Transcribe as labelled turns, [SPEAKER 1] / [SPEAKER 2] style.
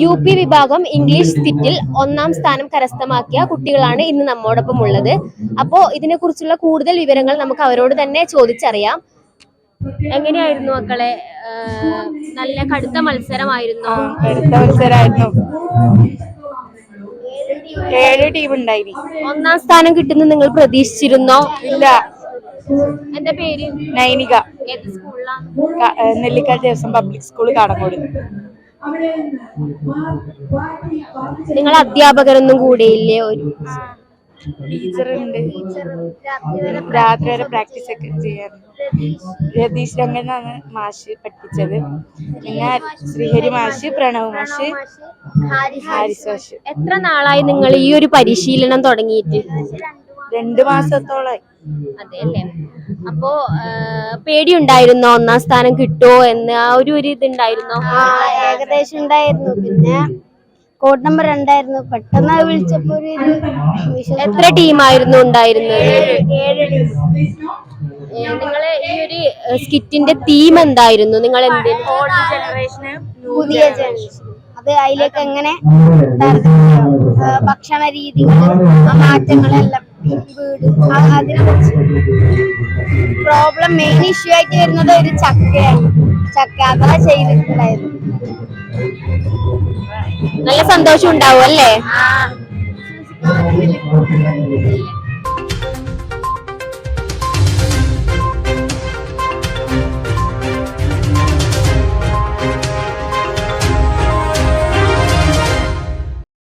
[SPEAKER 1] UP വിഭാഗം English സ്കിറ്റിൽ 1ാം സ്ഥാനം കരസ്ഥമാക്കിയ കുട്ടികളാണ് ഇന്ന് നമ്മോടൊപ്പം ഉള്ളത്. അപ്പോ ഇതിനെക്കുറിച്ചുള്ള കൂടുതൽ വിവരങ്ങൾ നമുക്ക് അവരോട് തന്നെ ചോദിച്ചറിയാം. എങ്ങനെയായിരുന്നു മക്കളെ? നല്ല കടുത്ത മത്സരമായിരുന്നു.
[SPEAKER 2] കടുത്ത മത്സരമായിരുന്നു. 7 ടീം ഉണ്ടായി.
[SPEAKER 1] 1ാം സ്ഥാനം കിട്ടുന്ന നിങ്ങൾ പ്രതീക്ഷിച്ചിരുന്നോ?
[SPEAKER 2] ഇല്ല.
[SPEAKER 1] എന്റെ പേര്
[SPEAKER 2] നൈനിക.
[SPEAKER 1] ഏത് സ്കൂളിലാ?
[SPEAKER 2] Nellikkad Devaswom public school Kadangode.
[SPEAKER 1] നിങ്ങൾ അധ്യാപകരൊന്നും കൂടെയില്ലേ? ഒരു
[SPEAKER 2] ടീച്ചറുണ്ട്. രാത്രി വരെ പ്രാക്ടീസ് ഒക്കെ ചെയ്യാറുണ്ട്. രതീഷ് രംഗനാണ് മാഷ് പഠിപ്പിച്ചത്. പിന്നെ ശ്രീഹരി മാഷ്, പ്രണവ് മാഷ്, ഹാരിസ് മാഷ്.
[SPEAKER 1] എത്ര നാളായി നിങ്ങൾ ഈ ഒരു പരിശീലനം തുടങ്ങിയിട്ട്?
[SPEAKER 2] 2 മാസത്തോളായി.
[SPEAKER 1] അതെല്ലേ. അപ്പോ പേടിയുണ്ടായിരുന്നോ 1ാം സ്ഥാനം കിട്ടുമോ എന്ന്? ആ ഒരു ഇതുണ്ടായിരുന്നോ?
[SPEAKER 3] ഏകദേശം ഉണ്ടായിരുന്നു. പിന്നെ കോഡ് നമ്പർ 2 ആയിരുന്നു. പെട്ടെന്ന് വിളിച്ചപ്പോ
[SPEAKER 1] എത്ര ടീമായിരുന്നു ഉണ്ടായിരുന്നത്?
[SPEAKER 3] 7 ടീം.
[SPEAKER 1] നിങ്ങളെ ഈ ഒരു സ്കിറ്റിന്റെ തീം എന്തായിരുന്നു? നിങ്ങൾ
[SPEAKER 3] പുതിയ ജനറേഷൻ, അത് അതിലേക്ക് എങ്ങനെ ഭക്ഷണ രീതികൾ, മാറ്റങ്ങളെല്ലാം, വീട്, അതിനെ കുറിച്ച്. പ്രോബ്ലം മെയിൻ ഇഷ്യൂ ആയിട്ട് വരുന്നത് ഒരു ചക്കയാണ്. ചക്ക അതാ ചെയ്തിട്ടുണ്ടായിരുന്നു.
[SPEAKER 1] നല്ല സന്തോഷം ഉണ്ടാവും അല്ലേ?